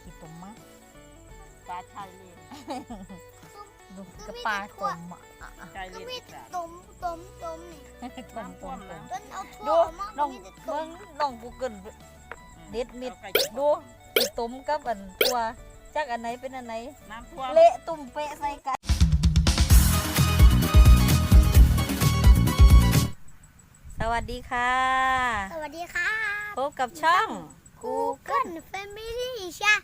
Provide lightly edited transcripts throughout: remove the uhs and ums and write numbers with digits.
ขี้ตุ่มมั้งปลาชายเลนดูกระปลาตุ่มอ่ะชายเลก็นมีอีแต่สานต้มนี่ตุ่มตุ่มตุ่มจนเอาทั่ดูวออกมาน้องมีแต่เบิ้ต้งมน้องกูเกิลเด็ดมิดอาไก่ดูขี้ตุ่มกับอันตัวจักอันไหนเป็นอันไหนน้ำท่วมเละตุ่มเปะใส่กันสวัสดีค่ะสวัสดีค่ะพบกับช่อง Google Family ใช่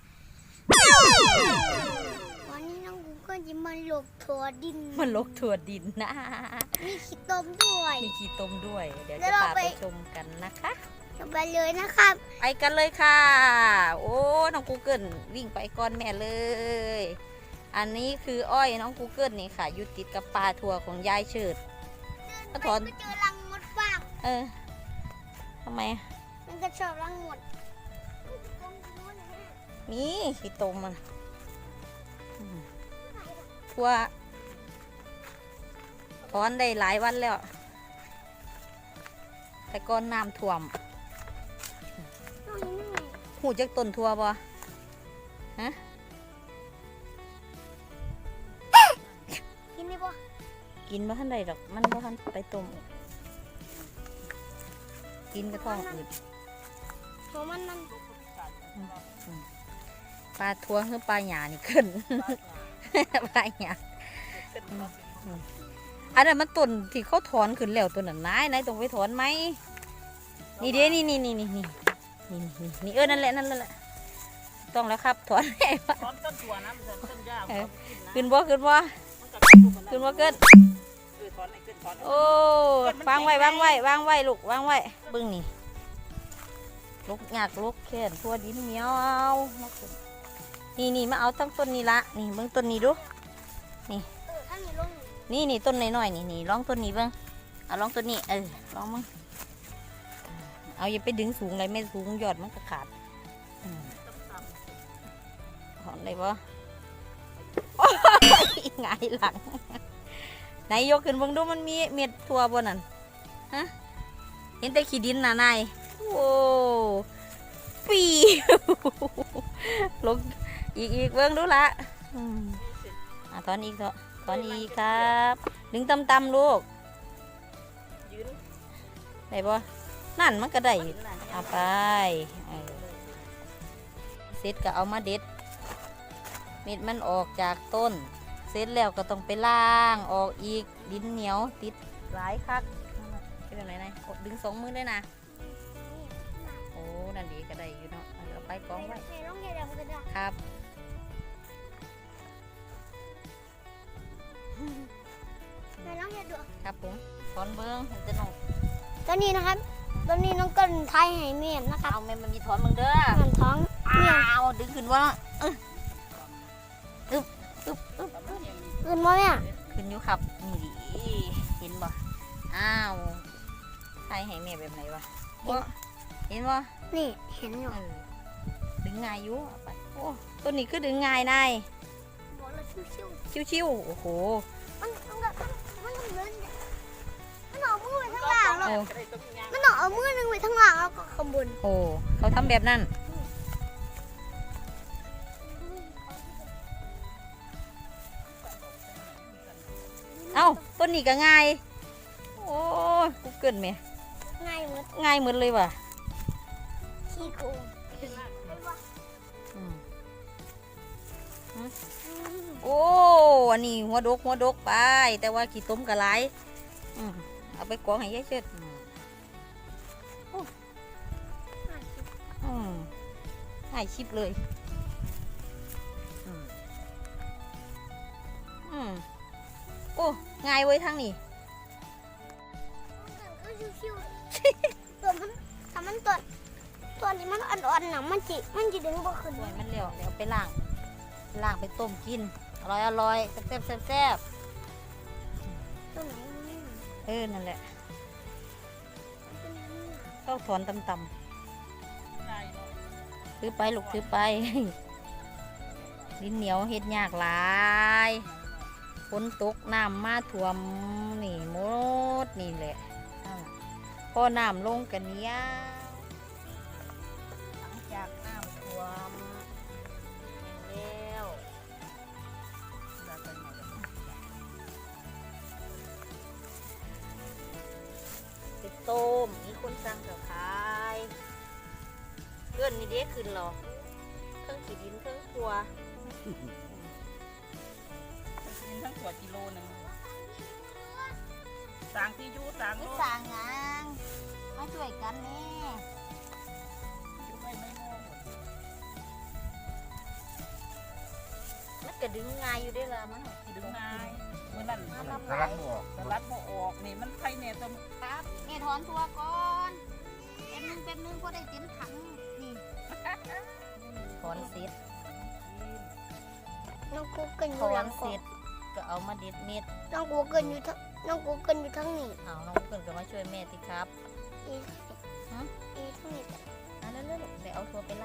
วันนี้น้อง Google จะมาหลบถั่วดินมันลกถั่วดินนะมีขี้ต้มด้วยมีขี้ต้มด้วย เดี๋ยวแล้จะวเราพาไปไปชมกันนะคะจะไปเลยนะครับไปกันเลยค่ะ โอ้น้องกูเกิลวิ่งไปก่อนแม่เลย อันนี้คืออ้อยน้องกูเกิลนี่ค่ะอยู่ติดกับปลาถั่วของยายเฉิด ก็ถอนไปเจอรังมดฟางเออทำไมมันก็ชอบรังมดนี่ขี้ต้มมันอืมถั่วถอนได้หลายวันแล้ว แต่ก่อนน้ำท่วม หูจักต้นทั่วบ่ฮะกินได้ปะกินบ่ทันใดดอก มันบ่ทันไปต้ม กินกระท้องอืดหัวมันนั่นปลาทั่วคือปลาหยานี่ขึ้น ปลาหยาอันนั้นมันต้นที่เขาถอนขึ้นแล้วตัวนั้นนายต้องไปถอนไหม นี่เด้นี่เออนั่นแหละต้องแล้วครับถอนให้ถอนต้นตัวนะมันจะต้นหญ้ามันกินนะขึ้นบ่มันจะขึ้นมาขึ้นบ่เกินถอนไอ้ขึ้นถอนโอ้วางไว้ลูกวางไว้เบิ่งนี่ลูกหยากลูกแขนทั่วดินเหนียวนี่มาเอาตั้งต้นนี้ละนี่เบิ่งต้นนี้ดูถ้ามีลงนี่ต้นน้อยๆนี่ลองต้นนี้เบิ่งเอาลองต้นนี้ลองมึงเอาอย่าไปดึงสูงเลยไม่สูงยอดมันก็ขาดถอนได้ปะโอ้ยหงายหลังไหนยกขึ้นเบิ่งดูมันมีเม็ดทั่วบนนั่นฮะเห็นแต่ขี้ดินน่ะนายโอ้ปีลงอีกเบิ่งดูละถอนอีกถอนอีกครับดึงต่ำๆลูกยืนได้ปะนั่นมันก็ได้เอาไปเสร็จก็เอามาเด็ดเม็ดมันออกจากต้นเสร็จแล้วก็ต้องไปล้างออกอีกดินเหนียวติดหลายคักเป็นอะไรนะดึง2 มือด้วยนะโอ้นั่นดีก็ได้อยู่เนาะเอาไปกองไว้ในร่องเดียวกันได้ครับในร่องเดียวดูครับผมถอนเบิ้งจะน้องตอนนี้นะครับ ตอนนี้น้องเกินไทยให้เมียนะครับเอาแม่มันมีถอนมึงเด้อมันท้องเมียอ้าวดึงขึ้นว่าอึบอื่นมาเนี่ยขึ้นอยู่ครับนี่ดิเห็นบ่อ้าวใช่ให้แม่แบบไหนวะบ่เห็นบ่นี่เห็นอยู่ดึงง่ายอยู่เอาไปโอ้ตัวนี้คือดึงง่ายนายบอกเลยชิวชิวๆโอ้โหๆมันเล่นมันเอามือไว้ข้างล่างแล้วโอ้มันเอามือหนึงไว้ข้างล่างแล้วก็ข้างบนโอ้เขาทำแบบนั้นเอ้าต้นนี้ก็ง่ายโอ้ยกูเกินไหมง่ายหมดง่ายเหมือนเลยว่ะขี้โกงอืมโอ้อันนี้หัวดกไปแต่ว่าขี้ต้มกระไรเอาไปกองให้ยายเชิดให้ชิปเลยโอ้ง่ายเว้ยทางนี้ก็ชิวๆตัวมันถ้ามันตัวนี้มันอ่อนๆนะมันจิดึงบ่ขึ้นสวยมันเร็วเดี๋ยวไปล้างไปต้มกินอร่อยแซ่บตัวไหนมันไม่นั่นแหละต้องถอนต่ำๆถือไปลูกถือไป ดินเหนียวเฮ็ดยากหลายฝนตกน้ำมาท่วมนี่หมดนี่แหละพอน้ำลงกันเนี้ยหลังจากน้ำท่วมต้มมีคนสั่งกับขายเพื่อนนี่เด็กขึ้นหรอเครื่องขีดินเครื่องครัวกินทั้งขวดกิโลหนึ่งสางที่ยูสางนี่โลสั่งงานมาช่วยกันนี่ยูไม่โง่หมดมันก็ดึงง่ายอยู่ได้ละมันดึงนายเมื่อนั้นสลัดบ่ออกสลัดบ่ออกนี่มันไข่เนี่ยต้มครับนี่ถอนตัวก่อนเป็นนึงก็ได้เต็มถังนี่ถอนเสร็จน้องกูเกินอถยู่อหลันงเสกอร็งจก็เอามาเด็ดเม็ดน้องกูเกินอยู่ทั้งน้องกูเกินอยู่ทั้งนี้เอาน้องเกินก็มาช่วยแม่สิครับอีอีทั้งนี้อันนั้นเลยเดี๋ยวเอาทัวไปล้าง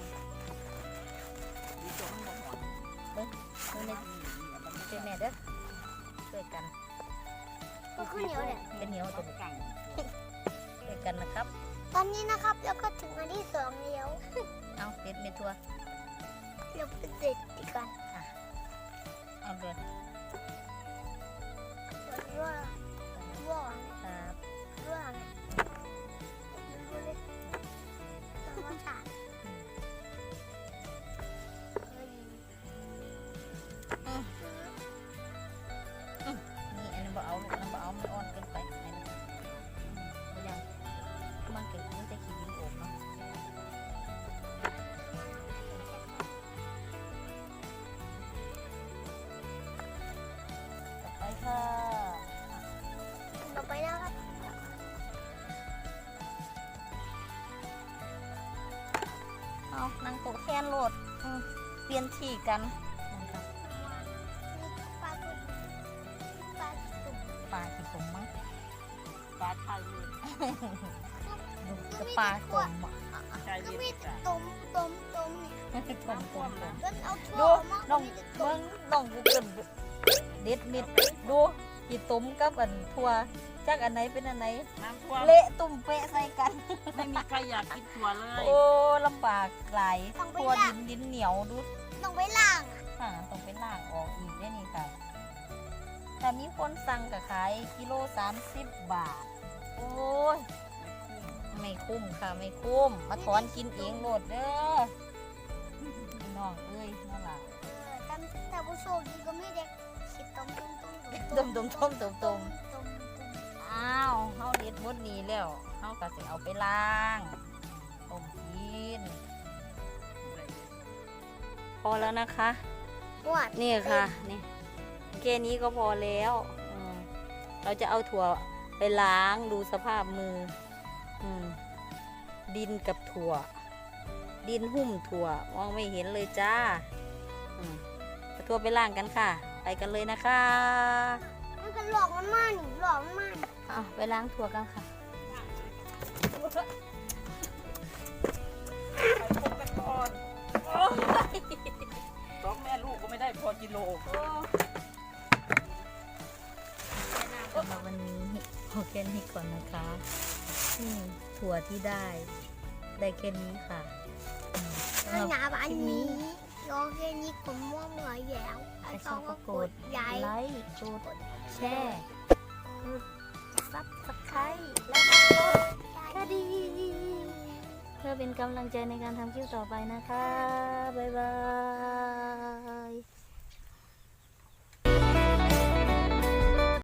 มีตัวมันบ่หอนเบิ่งช่วยแม่เด้อช่วยกันก็ข้าวเหนียวแหละเป็นเหนียวตัตัว วกังช่วยกันนะครับตอนนี้นะครับแล้วก็ถึงอันที่สองแล้วเอาเด็ดเม็ดทัวเราไปเด็ดดีกันเอาเลยว่าว่าครับว่าดูเลยธรรมชาตินี่อันนี้บ่เอาลูกอันนั้นบ่เอามันอ่อนเกินไปอันนี้บ่ยังมันเกิดมันจะขี้ดินโอบเนาะต่อไปค่ะต่อไปแล้วครับเอานางโตะแคนโหลดเปลี่ยนที่กันปลาตุ่มปลาตุ่มปลากี่ผมมั้งปลาไทยเลยดูจะปลาตมอ่ะใจก็เย็มีนแต่จ้ะตุ่มเนี่ยตมตมก็เอาดูถั่วมาน้องมีแต่เบิ้ตุ่มงน้องกูเกินเด็ดมิดดูกี่ต้มกับอันทั่วจักอันไหนเป็นอันไหนน้ำท่วมเละตุ่มเปะใส่กันไม่มีใครอยากกินถั่วเลยโอ้ลำบากหลายทั่วดินเหนียวดูต้องไปล้างต้องไปล้างออกอีกได้นี่ค่ะแต่มีคนสั่งกับขายกิโล30 บาท โอ้ยไม่คุ้มค่ะไม่คุ้มมาถอนกินเองโหลดเด้อพี่น้องเอ้ยนั่นล่ะแต่ผู้โชคดีก็ไม่ได้คิดต้มต้มอ้าวเฮาเด็ดหมดนี้แล้วเฮาก็สิเอาไปล้างต้มกิน พอแล้วนะคะปวดนี่ค่ะนี่แค่นี้ก็พอแล้วเราจะเอาถั่วไปล้างดูสภาพมือดินกับถั่ว ดินหุ้มถั่วมองไม่เห็นเลยจ้าเอาถั่วไปล้างกันค่ะ ไปกันเลยนะคะมันก็หลอกมันมากนี่หลอกมันมากเอาไปล้างถั่วกันค่ะไปพบกันก่อนสองแม่ลูกก็ไม่ได้พอกิโลสำหรับวันนี้พอแค่นี้ก่อนนะคะนี่ถั่วที่ได้แค่นี้ค่ะสำหรับหนาบานนี้รอแค่นี้ผมม่วงเหนื่อยแย้วใครชอบก็กดใหญ่ไลค์กดแชร์กดซับสไครต์และกดกระดิ่งเพื่อเป็นกำลังใจในการทำคลิปต่อไปนะคะ บ๊ายบา